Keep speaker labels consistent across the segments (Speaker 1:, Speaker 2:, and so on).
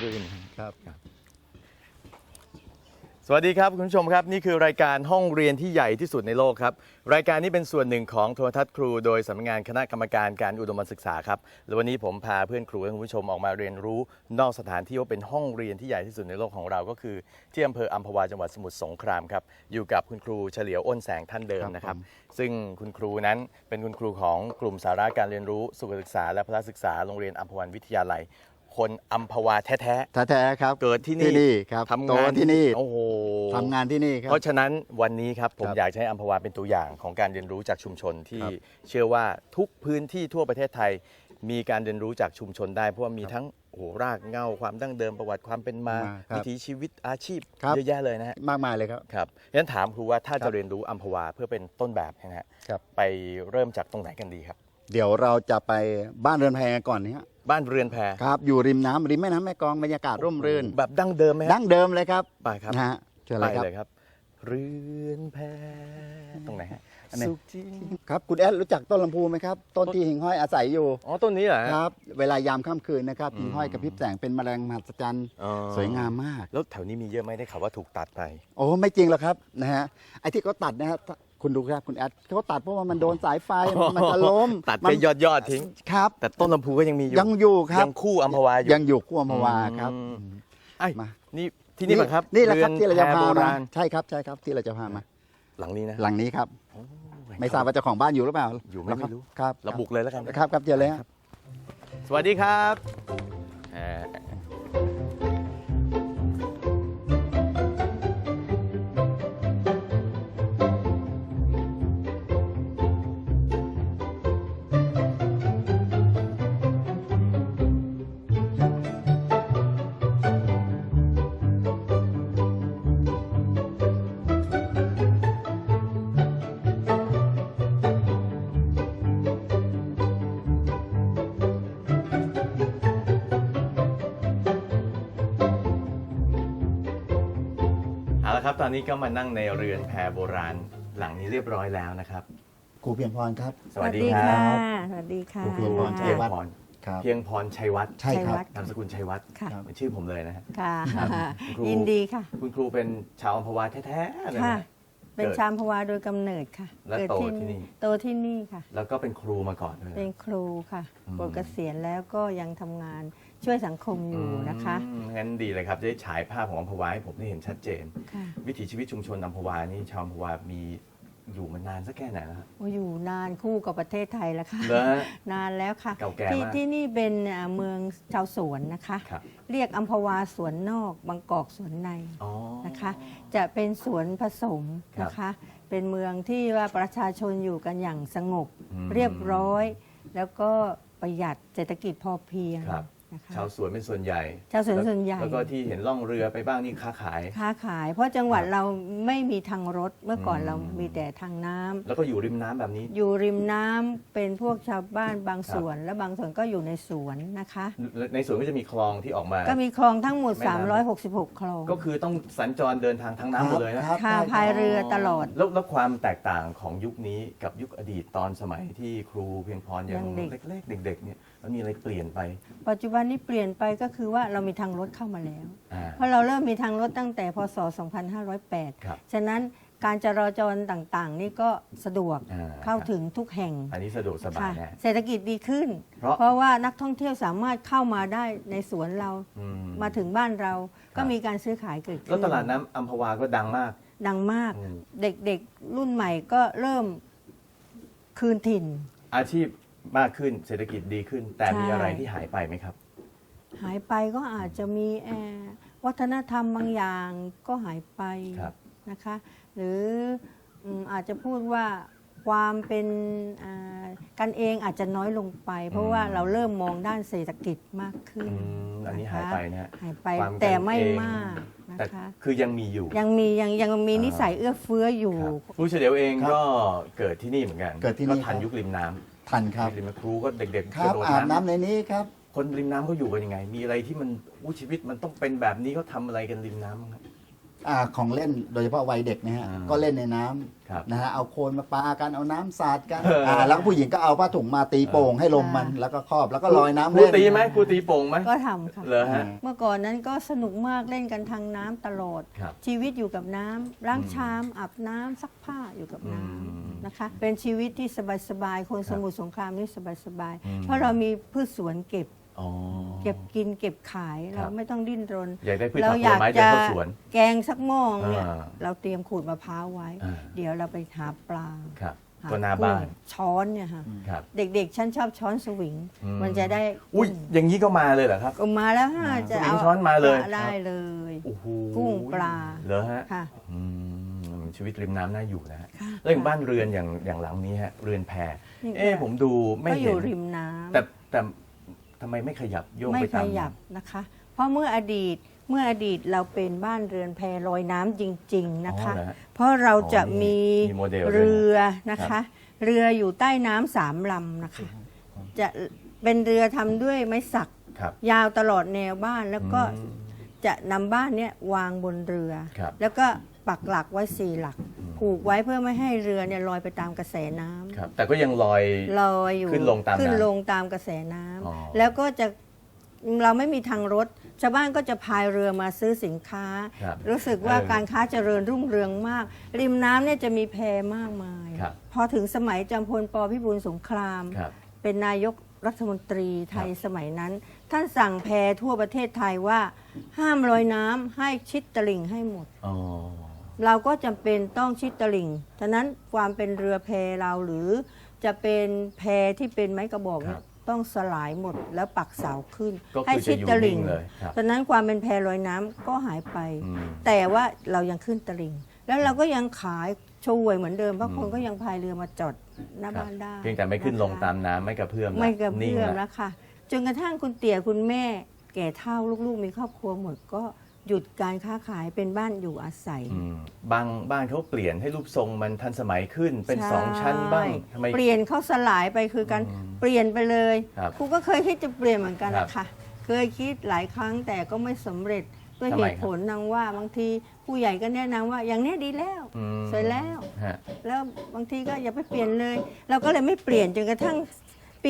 Speaker 1: รื่น
Speaker 2: ครับ
Speaker 1: สวัสดีครับคุณผู้ชมครับนี่คือรายการห้องเรียนที่ใหญ่ที่สุดในโลกครับรายการนี้เป็นส่วนหนึ่งของโทรทัศน์ครูโดยสำนักงานคณะกรรมการการอุดมศึกษาครับและวันนี้ผมพาเพื่อนครูและคุณผู้ชมออกมาเรียนรู้นอกสถานที่ว่าเป็นห้องเรียนที่ใหญ่ที่สุดในโลกของเราก็คือที่อำเภออัมพวาจังหวัดสมุทรสงครามครับอยู่กับคุณครูเฉลียวอ้นแสงท่านเดิมนะครับซึ่งคุณครูนั้นเป็นคุณครูของกลุ่มสาระการเรียนรู้สุขศึกษาและพละศึกษาโรงเรียนอัมพวันวิทยาลัยคนอัมพวาแท้
Speaker 2: แท้ๆครับ
Speaker 1: เกิดที่นี่
Speaker 2: ครับ
Speaker 1: ทำ
Speaker 2: โต
Speaker 1: งาน
Speaker 2: ที่นี่
Speaker 1: โอ้โห
Speaker 2: ทำงานที่นี่ครับ
Speaker 1: เพราะฉะนั้นวันนี้ครับผม
Speaker 2: ครับ
Speaker 1: อยากจะให้อัมพวาเป็นตัวอย่างของการเรียนรู้จากชุมชนที่
Speaker 2: ครับ
Speaker 1: เชื่อว่าทุกพื้นที่ทั่วประเทศไทย มีการเรียนรู้จากชุมชนได้เพราะว่ามีทั้งโอ้โหรากเหง้าความดั้งเดิมประวัติความเป็นมา
Speaker 2: ครับ
Speaker 1: วิถีชีวิตอาชีพ
Speaker 2: ครับ
Speaker 1: เยอะแยะเลยนะฮะ
Speaker 2: มากมายเลยครับ
Speaker 1: ครับงั้นถามครูว่าถ้า
Speaker 2: ครั
Speaker 1: จะ
Speaker 2: บ
Speaker 1: เรียนรู้อัมพวาเพื่อเป็นต้นแบบนะฮะ
Speaker 2: ครับ
Speaker 1: ไปเริ่มจากตรงไหนกันดีครับ
Speaker 2: เดี๋ยวเราจะไปบ้านเรือนแพกันก่อนนี้
Speaker 1: บ้านเรือนแพ
Speaker 2: ครับอยู่ริมน้ำริมแม่น้ำแม่กลองบรรยากาศร่มรื่น
Speaker 1: แบบดั้งเดิมไหมฮะ
Speaker 2: ดั้งเดิมเลยครับ
Speaker 1: ไปครับ
Speaker 2: นะฮะเชิญ
Speaker 1: ไป
Speaker 2: เลยครับ
Speaker 1: เลยครับ เรือนแพตรงไหนฮะ
Speaker 2: อันนี้
Speaker 1: สุขจริง
Speaker 2: ครับคุณแอดรู้จักต้นลำพูไหมครับ ต้นที่หิ่งห้อยอาศัยอยู่
Speaker 1: อ๋อต้นนี้เหรอฮะ
Speaker 2: ครับ เวลายามค่ำคืนนะครับหิ่งห้อยกระพริบแสงเป็นแมลงมหัศจรรย์
Speaker 1: อ๋อ
Speaker 2: สวยงามมาก
Speaker 1: แล้วแถวนี้มีเยอะไหมได้ข่าวว่าถูกตัดไป
Speaker 2: โอ้ไม่จริงหรอกครับนะฮะไอ้ที่เขาตัดนะฮะคุณดูครับคุณแอดเขาตัดเพราะว่ามันโดนสายไฟมันจะล้ม
Speaker 1: ตัด
Speaker 2: มั
Speaker 1: ไปยอดทิ้ง
Speaker 2: ครับ
Speaker 1: แต่ต้นลำพูก็ยังมีอยู่
Speaker 2: ยังอยู่ครับ
Speaker 1: ยังคู่อัมพวาอยู่
Speaker 2: ยังอยู่คู่อัมพวาครับ
Speaker 1: อืม ไอ้ย
Speaker 2: มา
Speaker 1: นี่ที่นี่ป่ะครับ
Speaker 2: นี่แหละครับที่เราจะพา
Speaker 1: โบ
Speaker 2: มา
Speaker 1: ราณ
Speaker 2: ใช่ครับใช่ครับที่เราจะพามา
Speaker 1: หลังนี้นะ
Speaker 2: หลังนี้ครับ
Speaker 1: โอ้ย
Speaker 2: ไม่ทราบว่าเจ้าของบ้านอยู่หรือเปล่า
Speaker 1: อยู่ไหมไม่รู้
Speaker 2: ครับ
Speaker 1: เราบุกเลยแล้วกัน
Speaker 2: ครับครับเจอเลยฮะ
Speaker 1: สวัสดีครับอ่าเอาละครับตอนนี้ก็มานั่งในเรือนแพโบราณหลังนี้เรียบร้อยแล้วนะครับ
Speaker 2: ครูเพียงพรครับ
Speaker 1: สวัสดีครั
Speaker 3: ค่ะ
Speaker 1: บ
Speaker 3: สวัสดีค่ะ
Speaker 2: ครูเพียงพรชั
Speaker 1: เพีย
Speaker 2: ย
Speaker 1: ง
Speaker 2: วัฒน์
Speaker 1: พร
Speaker 2: ครับ
Speaker 1: เพียงพรชัยวัฒน์
Speaker 2: ใช่ครับ
Speaker 3: ชัยวัฒน์
Speaker 1: นามสกุลชัยวัฒน์
Speaker 3: ค่ะ
Speaker 1: เป็นชื่อผมเลยนะฮะ
Speaker 3: ค่ะ
Speaker 1: ครับครู
Speaker 3: ยินดีค่ะ
Speaker 1: คุณครูเป็นชาวอัมพวาแท้ๆเลย
Speaker 3: ค่ะ
Speaker 1: นะ
Speaker 3: เป็นชามพวาโดยกำเนิดค่ะ
Speaker 1: และ
Speaker 3: เกิด
Speaker 1: โตที่นี่
Speaker 3: โตที่นี่ค่ะ
Speaker 1: แล้วก็เป็นครูมาก่อนด้วย
Speaker 3: เป็นครูค่ะ
Speaker 1: อืม
Speaker 3: ปลดเกษียณแล้วก็ยังทำงานช่วยสังคมอยู่นะคะ
Speaker 1: งั้นดีเลยครับจะได้ฉายภาพของอัมพวาให้ผมได้เห็นชัดเจน
Speaker 3: ค่ะ
Speaker 1: วิถีชีวิตชุมชนอัมพวานี่ชาวอัมพวามีอยู่มานานสักแค่ไหนแล้วฮะ
Speaker 3: โอ้อยู่นานคู่กับประเทศไทยแล้วค่ะ
Speaker 1: เหรอฮะ
Speaker 3: นานแล้วค่ะ
Speaker 1: เก่าแก่
Speaker 3: ที่
Speaker 1: มาก
Speaker 3: ที่นี่เป็นเมืองชาวสวนนะคะ
Speaker 1: ครับ
Speaker 3: เรียกอัมพวาสวนนอกบางกอกสวนใน
Speaker 1: อ๋อ
Speaker 3: นะคะ จะเป็นสวนผสมนะคะ เป็นเมืองที่ว่าประชาชนอยู่กันอย่างสงบ
Speaker 1: อืม
Speaker 3: เรียบร้อย แล้วก็ประหยัดเศรษฐกิจพอเพียง
Speaker 1: ครับ
Speaker 3: นะคะ
Speaker 1: ชาวสวนเป็นส่วนใหญ่
Speaker 3: ชาวสวนส่วนใหญ่
Speaker 1: แล้วก็ที่เห็นล่องเรือไปบ้างนี่ค้าขาย
Speaker 3: ค้าขาย เพราะจังหวัด
Speaker 1: ครับ
Speaker 3: เราไม่มีทางรถเมื่อก่อน
Speaker 1: อืม
Speaker 3: เรามีแต่ทางน้ำ
Speaker 1: แล้วก็อยู่ริมน้ำแบบนี้
Speaker 3: อยู่ริมน้ำเป็นพวกชาวบ้านบางส่วน และบางส่วนก็อยู่ในสวนนะคะ
Speaker 1: ในสวนก็จะมีคลองที่ออกมา
Speaker 3: ก็มีคลองทั้งหมด
Speaker 1: แม่น้ำ
Speaker 3: 366 คลอง
Speaker 1: ก็คือต้องสัญจรเดินทางทางน้ำหมดเลยนะ
Speaker 2: ครับ
Speaker 3: ค่ะ
Speaker 2: ได้ครับ
Speaker 3: พายเรือตลอด
Speaker 1: แล้วความแตกต่างของยุคนี้กับยุคอดีตตอนสมัยที่ครูเพียงพรยัง
Speaker 3: ยังเด็ก
Speaker 1: เล็กๆเด็กๆเนี่ยมันมีอะไรเปลี่ยนไป
Speaker 3: ปัจจุบันนี้เปลี่ยนไปก็คือว่าเรามีทางรถเข้ามาแล้ว
Speaker 1: อ่า
Speaker 3: เพราะเราเริ่มมีทางรถตั้งแต่พศ
Speaker 1: ครับ
Speaker 3: 2508 ฉะนั้นการจราจรต่างๆ นี่ก็สะดวก
Speaker 1: อ่า
Speaker 3: เข้าถึงทุกแห่ง
Speaker 1: อันนี้สะดวกสบาย
Speaker 3: ค่ะ
Speaker 1: นะ
Speaker 3: เศรษฐกิจดีขึ้น
Speaker 1: เพราะ
Speaker 3: ว่านักท่องเที่ยวสามารถเข้ามาได้ในสวนเรา
Speaker 1: อื
Speaker 3: มาถึงบ้านเรา
Speaker 1: ค
Speaker 3: ก็
Speaker 1: รับ
Speaker 3: มีการซื้อขายเกิด
Speaker 1: แล้ว
Speaker 3: ขึ้น
Speaker 1: ตลาดน้ำอัมพวาก็ดังมาก
Speaker 3: ดังมาก
Speaker 1: อืม
Speaker 3: เด็กๆรุ่นใหม่ก็เริ่มคืนถิ่น
Speaker 1: อาชีพมากขึ้นเศรษฐกิจดีขึ้น แต่มี
Speaker 3: ใช่
Speaker 1: อะไรที่หายไปไหมครับ
Speaker 3: หายไปก็อาจจะมีวัฒนธรรมบางอย่างก็หายไป
Speaker 1: ครับ
Speaker 3: นะคะ หรืออาจจะพูดว่าความเป็นกันเองอาจจะน้อยลงไป เพราะว่าเราเริ่มมองด้านเศรษฐกิจมากขึ้น
Speaker 1: อันนี้หายไปนะฮะ
Speaker 3: หายไป
Speaker 1: ความกัน
Speaker 3: แต่ไม่มาก
Speaker 1: แต่
Speaker 3: นะคะ
Speaker 1: คือยังมีอยู่
Speaker 3: ยังมีนิสัยเอื้อเฟื้ออยู่
Speaker 1: ครับครูเฉลียวเอง
Speaker 2: ครับ
Speaker 1: ก็เกิดที่นี่เหมือนกัน
Speaker 2: เกิดที่นี่
Speaker 1: ก็ทัน
Speaker 2: ครับ
Speaker 1: ยุคริมน้ำ
Speaker 2: ทันครับ
Speaker 1: ริมน้ำครูก็เด็กๆ
Speaker 2: ครับ
Speaker 1: กะโดด
Speaker 2: อาบน้ำในนี้ครับ
Speaker 1: คนริมน้ำเขาอยู่กันยังไง มีอะไรที่มันชีวิตมันต้องเป็นแบบนี้เขาทำอะไรกันริมน้ำบ้างครับ
Speaker 2: ของเล่นโดยเฉพาะวัยเด็กนะฮะ
Speaker 1: อ่า
Speaker 2: ก็เล่นในน้
Speaker 1: ครับ
Speaker 2: ำนะฮะเอาโคลนมาปากันเอาน้ำสาดกัน
Speaker 1: เออ
Speaker 2: แล้วก็ผู้หญิงก็เอาผ้าถุงมาตีโป่งให้ลมมัน
Speaker 3: ใช่
Speaker 2: แล้วก็ครอบแล้วก็ลอยน้ำ
Speaker 1: ครู
Speaker 2: เล่น
Speaker 1: ตีไหมครูตีโป่งไหม
Speaker 3: ก็ทำค่ะ
Speaker 1: เหรอฮะ
Speaker 3: เมื่อก่อนนั้นก็สนุกมากเล่นกันทางน้ำตลอด
Speaker 1: ครับ
Speaker 3: ชีวิตอยู่กับน้ำล้างชามอาบน้ำซักผ้าอยู่กับน้
Speaker 1: อืม
Speaker 3: ำนะคะ เป็นชีวิตที่สบายๆคน
Speaker 1: ครับ
Speaker 3: สมุทรสงครามนี่สบาย
Speaker 1: อืม
Speaker 3: ๆเพราะเรามีพืชสวนเก็บ
Speaker 1: อ๋อ
Speaker 3: เก็บกินเก็บขาย
Speaker 1: ครับ
Speaker 3: เราไม่ต้องดิ้นรน
Speaker 1: อยากได้พืช
Speaker 3: เรา
Speaker 1: ผักผ
Speaker 3: อ
Speaker 1: ล
Speaker 3: ยาก
Speaker 1: ไม้เดิน
Speaker 3: จะ
Speaker 1: เข้าสวน
Speaker 3: แกงสักหม้อเนี่ย
Speaker 1: อ่า
Speaker 3: เราเตรียมขูดมะพร้าวไว้
Speaker 1: อ่า
Speaker 3: เดี๋ยวเราไปหาปลา
Speaker 1: ครับ
Speaker 3: หา
Speaker 1: ก็หน้าบ้าน
Speaker 3: กุ้งช้อนเนี่ยค่ะ
Speaker 1: ครับ
Speaker 3: เด็กๆ ฉันชอบช้อนสวิง
Speaker 1: อืม
Speaker 3: มันจะได้
Speaker 1: อุ้ยอย่างนี้ก็มาเลยเหรอครับ
Speaker 3: ก็มาแล้วฮะจะ
Speaker 1: สวิง
Speaker 3: เอา
Speaker 1: ช้อนมาเลย
Speaker 3: ได้เลย
Speaker 1: โอ้โห
Speaker 3: กุ้งปลา
Speaker 1: เหรอฮะ
Speaker 3: ค่ะ
Speaker 1: อืมชีวิตริมน้ำน่าอยู่นะฮะ
Speaker 3: ค่ะ
Speaker 1: แล้วอย่างบ้านเรือนอย่างหลังนี้ฮะเรือนแพ
Speaker 3: นี่
Speaker 1: ผมดูไม่
Speaker 3: ก็อ
Speaker 1: เห็น
Speaker 3: ยู่ริมน้ำ
Speaker 1: แต่ทำไมไม่ขยับโยก
Speaker 3: ไม่
Speaker 1: ไป
Speaker 3: ข
Speaker 1: ตาม
Speaker 3: ยับนะคะ เพราะเมื่ออดีตเราเป็นบ้านเรือนแพลอยน้ำจริง ๆนะคะ
Speaker 1: อ๋อเหรอฮะ
Speaker 3: เพราะเราจะ
Speaker 1: อ๋อ
Speaker 3: มี
Speaker 1: มีโมเดลด้วยนะ
Speaker 3: เรือนะ
Speaker 1: ครั
Speaker 3: คะ
Speaker 1: บ
Speaker 3: เรืออยู่ใต้น้ำ3 ลำนะคะ จะเป็นเรือทำด้วยไม้สัก
Speaker 1: ครับ
Speaker 3: ยาวตลอดแนวบ้านแล้วก็
Speaker 1: อืม
Speaker 3: จะนำบ้านเนี้ยวางบนเรือ
Speaker 1: ครับ
Speaker 3: แล้วก็ปักหลักไว้4 หลัก ผูกไว้เพื่อไม่ให้เรือเนี่ยลอยไปตามกระแสน้ำ
Speaker 1: ครับ แต่ก็ยังลอย
Speaker 3: ลอยอยู่
Speaker 1: ขึ้นลงตามน้ำ
Speaker 3: ขึ้นลงตามกระแสน้ำ
Speaker 1: อ๋อ
Speaker 3: แล้วก็จะเราไม่มีทางรถ ชาวบ้านก็จะพายเรือมาซื้อสินค้า
Speaker 1: ครับ
Speaker 3: รู้สึกว่า
Speaker 1: เออ
Speaker 3: การค้าเจริญรุ่งเรืองมาก ริมน้ำเนี่ยจะมีแพมากมาย
Speaker 1: ครับ
Speaker 3: พอถึงสมัยจอมพลปพิบูลสงคราม
Speaker 1: ครับ
Speaker 3: เป็นนายกรัฐมนตรีไทย
Speaker 1: ครับ
Speaker 3: สมัยนั้น ท่านสั่งแพทั่วประเทศไทยว่า ห้ามลอยน้ำให้ชิดตลิ่งให้หมด
Speaker 1: อ๋อ
Speaker 3: เราก็จำเป็นต้องชิดตลิ่ง ฉะนั้นความเป็นเรือแพเราหรือจะเป็นแพที่เป็นไม้กระบอกเนี่ยต้องสลายหมดแล้วปักเสาขึ้น
Speaker 1: ก็
Speaker 3: ให้
Speaker 1: คือ
Speaker 3: ชิ
Speaker 1: จะ
Speaker 3: ด
Speaker 1: อยู่
Speaker 3: ต
Speaker 1: นิ่
Speaker 3: ลิ่
Speaker 1: ง
Speaker 3: ง
Speaker 1: เลยครับ
Speaker 3: ฉะนั้นความเป็นแพลอยน้ำก็หายไป
Speaker 1: อืม
Speaker 3: แต่ว่าเรายังขึ้นตลิ่ง แล้วเราก็ยังขายช่วยเหมือนเดิมเพราะคนก็ยังพายเรือมาจอดหน้า
Speaker 1: ครับ
Speaker 3: บ้านได้
Speaker 1: เพียงแต่ไม่ขึ้นลง
Speaker 3: นะคะ
Speaker 1: ตามน้ำไม่กระเพื่อมละ
Speaker 3: ไม่กระ
Speaker 1: นิ่ง
Speaker 3: เพื่อม
Speaker 1: ละ
Speaker 3: แล้วค่ะจนกระทั่งคุณเตี่ยคุณแม่ แก่เฒ่าลูกๆ มีครอบครัวหมดก็หยุดการค้าขายเป็นบ้านอยู่อาศัย
Speaker 1: อืมบางบ้านเขาเปลี่ยนให้รูปทรงมันทันสมัยขึ้นเป็น
Speaker 3: ใช่
Speaker 1: 2 ชั้นบ้างทำไม
Speaker 3: เปลี่ยนเขาสลายไปคือการ
Speaker 1: อืม
Speaker 3: เปลี่ยนไปเลย
Speaker 1: ครับ
Speaker 3: ครูก็เคยคิดจะเปลี่ยนเหมือนกัน
Speaker 1: ครับ
Speaker 3: นะคะเคยคิดหลายครั้งแต่ก็ไม่สำเร็จด้วย
Speaker 1: ทำ
Speaker 3: เห
Speaker 1: ไม
Speaker 3: ตุผลนางว่าบางทีผู้ใหญ่ก็แนะนำว่าอย่างเนี้ยดีแล้ว
Speaker 1: อืม
Speaker 3: สวยแล้ว
Speaker 1: ฮะ
Speaker 3: แล้วบางทีก็อย่าไปเปลี่ยนเลย เราก็เลยไม่เปลี่ยนจนกระทั่งปี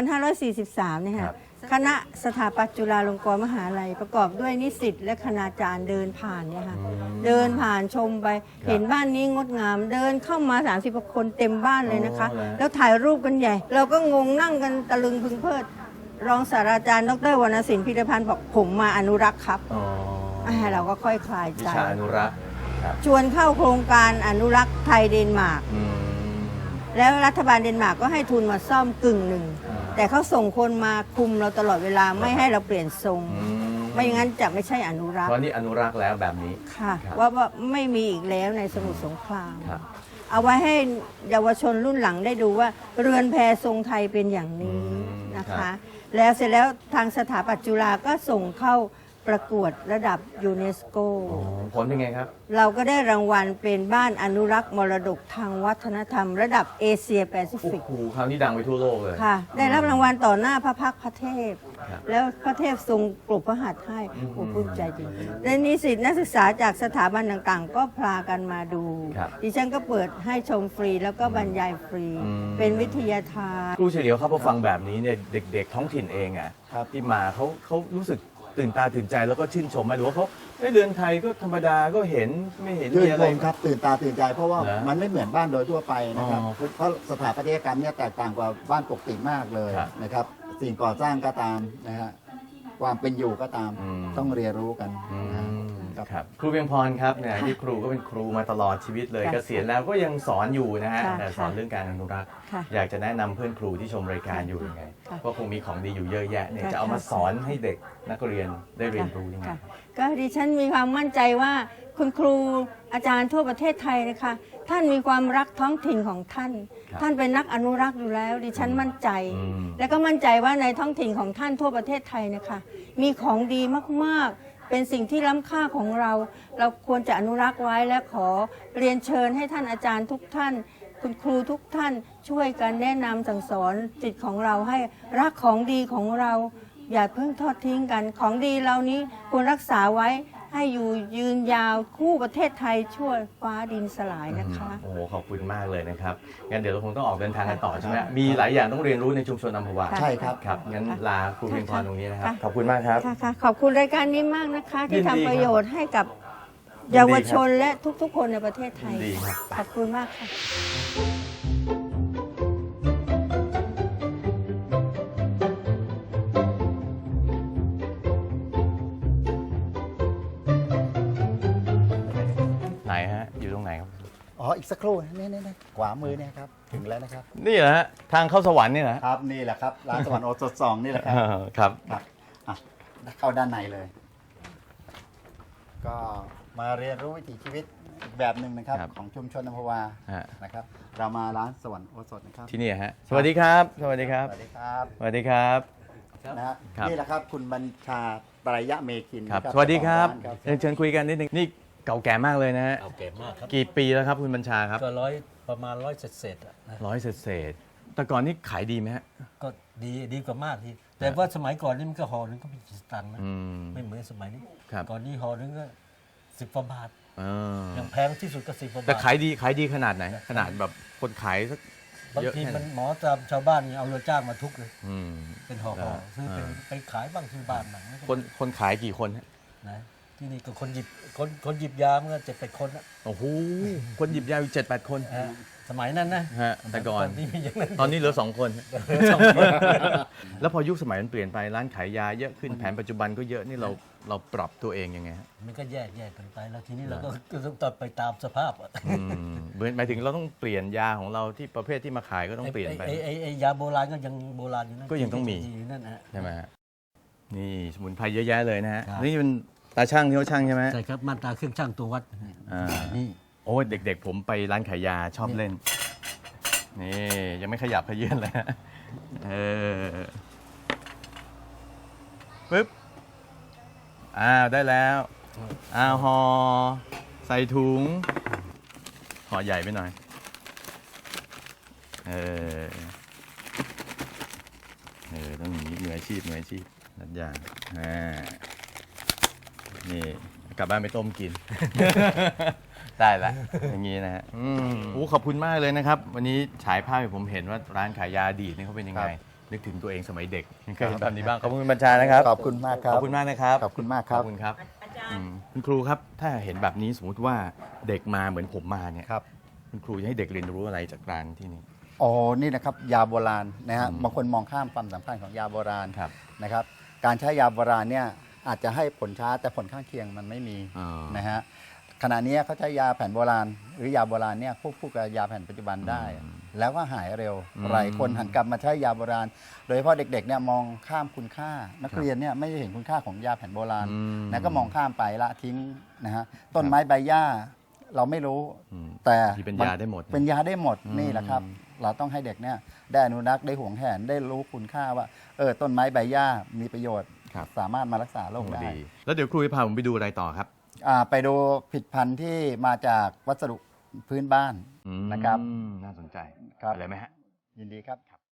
Speaker 3: 2543 เนี่ย
Speaker 1: ครั
Speaker 3: ค่ะ
Speaker 1: บ
Speaker 3: คณะสถาปัตย์จุฬาลงกรณ์มหาลัยประกอบด้วยนิสิตและคณาจารย์เดินผ่านเนี่ยค่ะเดินผ่านชมไป เห็นบ้านนี้งดงาม เดินเข้ามา 30 กว่าคนเต็มบ้านเลยนะคะ
Speaker 1: อ๋อแล้ว
Speaker 3: แล้วถ่ายรูปกันใหญ่ เราก็งงนั่งกันตะลึงพึงเพลิด รองศาสตราจารย์ดรวรรณสินพิรพันธ์บอกผมมาอนุรักษ์ครับ
Speaker 1: อ๋อ
Speaker 3: เราก็ค่อยคลาย
Speaker 1: วิ
Speaker 3: ใจ
Speaker 1: ชาอนุรักษ์ครับ
Speaker 3: ชวนเข้าโครงการอนุรักษ์ไทยเดนมาร์ก
Speaker 1: อืม
Speaker 3: แล้วรัฐบาลเดนมาร์กก็ให้ทุนมาซ่อมกึ่งหนึ่ง
Speaker 1: อ่า
Speaker 3: แต่เขาส่งคนมาคุมเราตลอดเวลาไม่ให้เราเปลี่ยนทรง
Speaker 1: อืม
Speaker 3: ไม่อย่างนั้นจะไม่ใช่อนุรัก
Speaker 1: เพ
Speaker 3: ษ์
Speaker 1: ราะนี่อนุรักษ์แล้วแบบนี้
Speaker 3: ค่ะ
Speaker 1: ครับ
Speaker 3: ว่าไม่มีอีกแล้วในสมุทรสงคราม
Speaker 1: ครับ
Speaker 3: เอาไว้ให้เยาวชนรุ่นหลังได้ดูว่า เรือนแพทรงไทยเป็นอย่างนี้
Speaker 1: อืม
Speaker 3: นะ
Speaker 1: ครั
Speaker 3: คะ
Speaker 1: บ
Speaker 3: แล้วเสร็จแล้วทางสถาปัตย์จุฬาก็ส่งเข้าประกวดระดับยูเนสโก
Speaker 1: อ๋อผลเป็นไงครับ
Speaker 3: เราก็ได้รางวัลเป็นบ้านอนุรักษ์มรดกทางวัฒนธรรม ระดับเอเชียแปซิ
Speaker 1: โอ้
Speaker 3: ฟิก
Speaker 1: โหคราวนี้ดังไปทั่วโลกเลย
Speaker 3: ค่ะ ได้รับรางวัลต่อหน้าพระพักตร์พระเทพ
Speaker 1: ครับ
Speaker 3: แล้วพระเทพทรงปรบพระหัตถ์ให้โอ้ภูมิใจจริงและนิสิตนักศึกษาจากสถาบันต่างๆ ก็พากันมาดู
Speaker 1: ครับ
Speaker 3: ดิฉันก็เปิดให้ชมฟรีแล้วก็บรรยายฟรี
Speaker 1: อืม
Speaker 3: เป็นวิทยาทาน
Speaker 1: ครูเฉลียวครับพอฟังแบบนี้เนี่ยเด็กๆท้องถิ่นเองอ่ะ
Speaker 2: ครับ
Speaker 1: ที่มาเขารู้สึกตื่นตาตื่นใจแล้วก็ชื่นชมไหมหรือว่าเขาเรือนไทยก็ธรรมดาก็เห็นไม่เห็น
Speaker 2: ชื่
Speaker 1: มี
Speaker 2: น
Speaker 1: อะ
Speaker 2: ช
Speaker 1: ไร
Speaker 2: มครับตื่นตาตื่นใจเพราะว่า
Speaker 1: เหรอ
Speaker 2: มันไม่เหมือนบ้านโดยทั่วไปนะครับ
Speaker 1: อ๋อ
Speaker 2: เพราะสถาปัตยกรรมเนี่ยแตกต่างกว่าบ้านปกติมากเลย
Speaker 1: ครับ
Speaker 2: นะครับสิ่งก่อสร้างก็ตามนะฮะความเป็นอยู่ก็ตาม
Speaker 1: อืม
Speaker 2: ต้องเรียนรู้กัน
Speaker 1: อื
Speaker 2: นะฮะ
Speaker 1: มครับครูเพียงพรครับเนี่ยที่ครูก็เป็นครูมาตลอดชีวิตเลย
Speaker 3: ค่ะ
Speaker 1: เกษียณแล้วก็ยังสอนอยู่นะฮะ
Speaker 3: ค่ะ
Speaker 1: แต่สอนเรื่องการอนุรักษ์
Speaker 3: ค่ะ
Speaker 1: อยากจะแนะนำเพื่อนครูที่ชมรายการอยู่ยังไง
Speaker 3: ค่ะ
Speaker 1: ว่าคงมีของดีอยู่เยอะแยะเนี่ย
Speaker 3: ค่ะ
Speaker 1: จะเอามาสอนให้เด็กนักเรียนได้เรียนรู้ยังไง
Speaker 3: ค่ะก็ดิฉันมีความมั่นใจว่าคุณครูอาจารย์ทั่วประเทศไทยนะคะ ท่านมีความรักท้องถิ่นของท่าน
Speaker 1: ครับ
Speaker 3: ท่านเป็นนักอนุรักษ์อยู่แล้ว ดิฉันมั่นใจ
Speaker 1: อืม
Speaker 3: และก็มั่นใจว่าในท้องถิ่นของท่านทั่วประเทศไทยนะคะ มีของดีมากๆ เป็นสิ่งที่ล้ำค่าของเรา เราควรจะอนุรักษ์ไว้และขอเรียนเชิญให้ท่านอาจารย์ทุกท่าน คุณครูทุกท่านช่วยกันแนะนำสั่งสอนจิตของเราให้รักของดีของเรา อย่าเพิ่งทอดทิ้งกันของดีเหล่านี้ควรรักษาไว้ให้อยู่ยืนยาวคู่ประเทศไทยชั่วฟ้าดินสลายนะคะ
Speaker 1: โอ้โหขอบคุณมากเลยนะครับงั้นเดี๋ยวเราคงต้องออกเดินทางกันต่อใช่ไหมมีหลายอย่างต้องเรียนรู้ในชุมชนอัมพวา
Speaker 3: ค่ะ
Speaker 2: ใช่ครับ
Speaker 1: ครับงั้นลาครูเพียงพรตรงนี้นะครับ
Speaker 3: ค่ะ
Speaker 1: ขอบคุณมากครับ
Speaker 3: ค่ะขอบคุณรายการนี้มากนะคะ
Speaker 1: ยิ
Speaker 3: ที่
Speaker 1: นดีครับ
Speaker 3: ทำประโยชน์ให้กับ
Speaker 1: ยินดี
Speaker 3: เยาวชนและทุกๆ คนในประเทศไทย
Speaker 1: ยินดีครับ
Speaker 3: ขอบคุณมากค่ะ
Speaker 1: ไหนฮะอยู่ตรงไหนครับ
Speaker 2: อ๋ออีกสักครู่นี่ขวามือเนี่ยครับถึงแล้วนะครับ
Speaker 1: นี่เหรอฮะทางเข้าสวรรค์นี่เหรอ
Speaker 2: ครับนี่แหละครับร้านสวรรค์โอสถสองนี่แหละครับ
Speaker 1: ครับ
Speaker 2: ครับอ่ะเข้าด้านในเลย ก็มาเรียนรู้วิถีชีวิตอีกแบบหนึ่งนะครับ
Speaker 1: ครับ
Speaker 2: ของชุมชนอัมพวา
Speaker 1: ฮะ
Speaker 2: นะครับ เรามาร้านสวรรค์โอสถนะครับ
Speaker 1: ที่นี่ฮะสวัสดีครับ สวัสดีครับ
Speaker 2: สวัสดีครับ
Speaker 1: สวัสดีครับ
Speaker 2: นะฮะ
Speaker 1: ครับ
Speaker 2: นี่แหละครับคุณบัญชาปรายะเมคิน
Speaker 1: ครับ
Speaker 2: นะ
Speaker 1: สวัสดีครับ
Speaker 2: เจ้าของาน
Speaker 1: เชิญคุยกันนิดนึงนี่เก่าแก่มากเลยนะฮะ
Speaker 4: เอาเก็บมากครับ
Speaker 1: กี่ปีแล้วครับคุณบัญชาครับ
Speaker 4: ก็ประมาณร้อยเศษๆอะนะ
Speaker 1: ร้อยเศษๆแต่ก่อนนี่ขายดีไหมฮะ
Speaker 4: ก็ดีกว่ามากทีแต่ว่าสมัยก่อนนี่มันก็ห่อหนึงก็มีกี่สตังค์นะ
Speaker 1: อืม
Speaker 4: ไม่เหมือนสมัยนี้
Speaker 1: ครับ
Speaker 4: ก่อนนี้ห่อหนึงก็10 กว่าบาท
Speaker 1: เออ
Speaker 4: อย่างแพงที่สุดก็10 กว่าบาท
Speaker 1: แต่ขายดีขนาดไหน ขนาดแบบคนขายสัก
Speaker 4: บาง
Speaker 1: เยอะ
Speaker 4: ที
Speaker 1: แค่ไหน
Speaker 4: มันหมอตามชาวบ้านนี่เอาเรือจ้างมาทุกเลย
Speaker 1: อืม
Speaker 4: เป็นห่อ
Speaker 1: อ่า
Speaker 4: ๆซื้อเป็น
Speaker 1: อ่า
Speaker 4: ไปขายบ้างที่บ้านบ้าง
Speaker 1: คนขายกี่คนฮะ
Speaker 4: นะที่นี่ก็คนหยิบยามันก็7-8 คนนะ
Speaker 1: โอ้โหคนหยิบยาอยู่7-8 คน
Speaker 4: ฮะสมัยนั้นนะ
Speaker 1: ฮะแต่ก่อน
Speaker 4: นี่มีอย่างนั้น
Speaker 1: ตอนนี้เหลือ2 คน
Speaker 4: สองคน
Speaker 1: แล้วพอยุคสมัยมันเปลี่ยนไปร้านขายยาเยอะขึ้นแผนปัจจุบันก็เยอะนี่เราปรับตัวเองยังไงฮะ
Speaker 4: มันก็แยกกันไปแล้วทีนี้เราก็ต้องตัดไปตามสภาพอะ
Speaker 1: อืมหมายถึงเราต้องเปลี่ยนยาของเราที่ประเภทที่มาขายก็ต้องเปลี่ยนไป
Speaker 4: ไอ้ยาโบราณก็ยังโบราณอยู่นั่น
Speaker 1: ก็ยังต้องมี
Speaker 4: อยู่นั่นนะฮะ
Speaker 1: ใช่ไหมฮะนี่สมุนไพรเยอะแยะเลยนะฮะ
Speaker 4: ครับ
Speaker 1: นี่เป็นตาช่างที่เขาช่างใช่ไหม
Speaker 4: ใช่ครับมาตราเครื่องช่างตัววัด
Speaker 1: อ่า
Speaker 4: นี่
Speaker 1: โอ้ยเด็กๆ ผมไปร้านขายยาชอบเล่น นี่ยังไม่ขยับขยื่นเลยฮะปึ๊บได้แล้วห่อใส่ถุงห่อใหญ่ไปหน่อยต้องอย่างนี้มืออาชีพนัดอย่างนี่กลับบ้านไปต้มกิน ได้ละอย่างนี้นะฮะขอบคุณมากเลยนะครับ วันนี้ฉายภาพให้ผมเห็นว่าร้านขายยาอดีตนี่เขาเป็นยังไง นึกถึงตัวเองสมัยเด็กเคยเห็นแบบนี้บ้างขอบคุณคุณบัญชานะครับ
Speaker 2: ขอบคุณมากครับ
Speaker 1: ขอบคุณมากนะครับ
Speaker 2: ขอบคุณมากครับ
Speaker 1: ขอบคุณครับคุณครูครับ ถ้าเห็นแบบนี้สมมติว่าเด็กมาเหมือนผมมาเนี่ย
Speaker 2: ครับ
Speaker 1: คุณครูจะให้เด็กเรียนรู้อะไรจากร้านที่นี่
Speaker 2: อ๋อ นี่นะครับยาโบราณนะฮะ บางคนมองข้ามความสำคัญของยาโบราณ
Speaker 1: ครับ
Speaker 2: นะครับ การใช้ยาโบราณเนี่ยอาจจะให้ผลช้าแต่ผลข้างเคียงมันไม่มี
Speaker 1: อ๋อ
Speaker 2: นะฮะ ขณะนี้เขาใช้ยาแผนโบราณ หรือยาโบราณเนี่ยควบคู่กับยาแผนปัจจุบันได้ แล้วก็หายเร็ว หลายคนหันกลับมาใช้ยาโบราณ โดยเฉพาะเด็กๆเนี่ยมองข้ามคุณค่า นักเรียนเนี่ยไม่ได้เห็นคุณค่าของยาแผนโบราณ นะก็มองข้ามไปละทิ้งนะฮะ ต้นไม้ใบหญ้าเราไม่รู้ แต่
Speaker 1: ที่เป็นยาได้หมด
Speaker 2: เป็นยาได้หมดนี่แหละครับ เราต้องให้เด็กเนี่ยได้อนุรักษ์ได้หวงแหนได้รู้คุณค่าว่าต้นไม้ใบหญ้ามีประโยชน์
Speaker 1: ครับ
Speaker 2: สามารถมารักษาโรคได้
Speaker 1: ดีแล้วเดี๋ยวครูจะพาผมไปดูอะไรต่อครับ
Speaker 2: ไปดูผลิตภัณฑ์ที่มาจากวัสดุพื้นบ้านนะครับ
Speaker 1: น่าสนใจ
Speaker 2: ครับ
Speaker 1: อะไรไหมฮะ
Speaker 2: ยินดีครับ